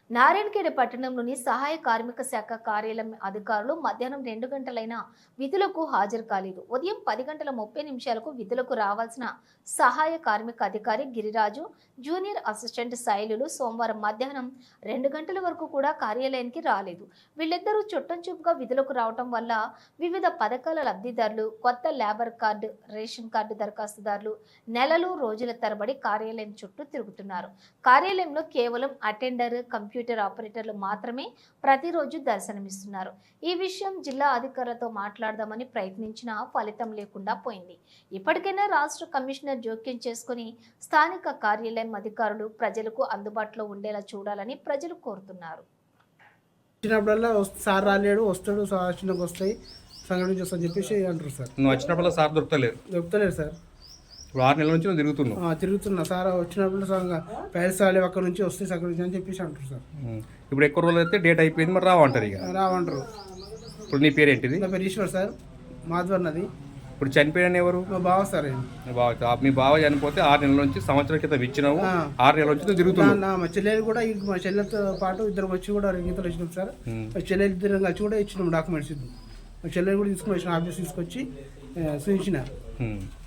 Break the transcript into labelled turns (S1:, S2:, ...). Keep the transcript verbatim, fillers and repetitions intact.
S1: నారాయణఖేడ్ పట్టణంలోని సహాయ కార్మిక శాఖ కార్యాలయం అధికారులు మధ్యాహ్నం రెండు గంటలైన విధులకు హాజరు కాలేదు. ఉదయం పది గంటల ముప్పై నిమిషాలకు విధులకు రావాల్సిన సహాయ కార్మిక అధికారి గిరిరాజు, జూనియర్ అసిస్టెంట్ శైలులు సోమవారం మధ్యాహ్నం రెండు గంటల వరకు కూడా కార్యాలయానికి రాలేదు. వీళ్ళిద్దరూ చుట్టంచూపుగా విధులకు రావటం వల్ల వివిధ పథకాల లబ్ధిదారులు, కొత్త లేబర్ కార్డు, రేషన్ కార్డు దరఖాస్తుదారులు నెలలు రోజుల తరబడి కార్యాలయం చుట్టూ తిరుగుతున్నారు. కార్యాలయంలో కేవలం అటెండర్, కంప్యూటర్ కంప్యూటర్ ఆపరేటర్లు మాత్రమే ప్రతిరోజు దర్శనమిస్తున్నారు. ఈ విషయం జిల్లా అధికారులతో మాట్లాడదామని ప్రయత్నించినా ఫలితం లేకుండా పోయింది. ఇప్పటికైనా రాష్ట్ర కమిషనర్ జోక్యం చేసుకుని స్థానిక కార్యాలయం అధికారులు ప్రజలకు అందుబాటులో ఉండేలా చూడాలని ప్రజలు కోరుతున్నారు.
S2: వచ్చినప్పుడల్లా సార్ రాలేడు, వస్తాడు, వచ్చినాక వస్తాయి సంఘటన చేస్తా చెప్పేసి అంటారు సార్.
S3: నువ్వు వచ్చినప్పుడు సార్ దొరుకుతలేరు
S2: దొరుకుతలేరు సార్.
S3: ఇప్పుడు ఆరు నెలల నుంచి నువ్వు తిరుగుతున్నావు.
S2: తిరుగుతున్నా సార్. వచ్చినప్పుడు ప్యారిస్ రాలే అక్కడ నుంచి వస్తే అక్కడ నుంచి అని చెప్పేసి అంటారు సార్.
S3: ఇప్పుడు ఎక్కువ రోజులు అయితే డేట్ అయిపోయింది, మరి రావంటారు. ఇక
S2: రావంటారు.
S3: ఇప్పుడు నీ పేరు ఏంటిది?
S2: నా పేరు ఈశ్వర్ సార్, మాధవర్ నది.
S3: ఇప్పుడు చనిపోయిన ఎవరు?
S2: మా బావ సార్.
S3: బావ. మీ బావ చనిపోతే ఆరు నెలల నుంచి సంవత్సరం క్రితం ఇచ్చినావు, ఆరు నెలల నుంచి నువ్వు తిరుగుతున్నావు.
S2: మా చెల్లెలు కూడా మా చెల్లెలతో పాటు ఇద్దరు వచ్చి కూడా గీతలు వచ్చినాం సార్. మా చెల్లెలు ఇద్దరు కలిసి కూడా ఇచ్చినాం డాక్యుమెంట్స్. మా చెల్లెలు కూడా తీసుకుని వచ్చిన ఆఫీస్ తీసుకొచ్చి చూపించిన.